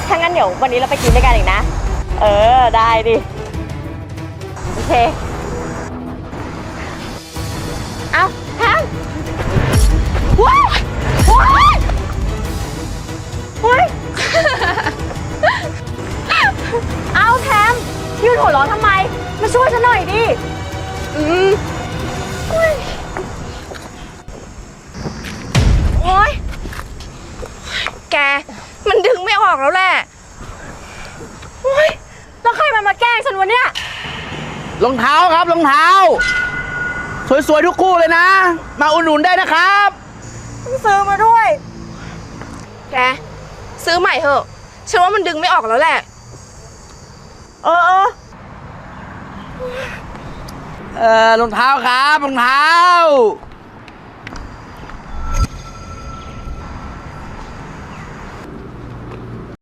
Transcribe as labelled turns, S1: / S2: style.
S1: ถ้างั้นเดี๋ยววันนี้เราไปกินด้วยกันอีกนะได้ดิโอเคเอาแทมว้ายว้ายว้ายเอาแทมยืนหัวเราะทำไมมาช่วยฉันหน่อยดิ
S2: โอ๊ยแกมันดึงไม่ออกแล้วแหละ
S1: โอ๊ยแล้วใครมาแกล้งฉันวะเนี่ย
S3: รองเท้าครับรองเท้าสวยๆทุกคู่เลยนะมาอุดหนุนได้นะครับ
S1: ซื้อมาด้วย
S2: แกซื้อใหม่เถอะฉันว่ามันดึงไม่ออกแล้วแหละ
S3: รองเท้าครับรองเท้า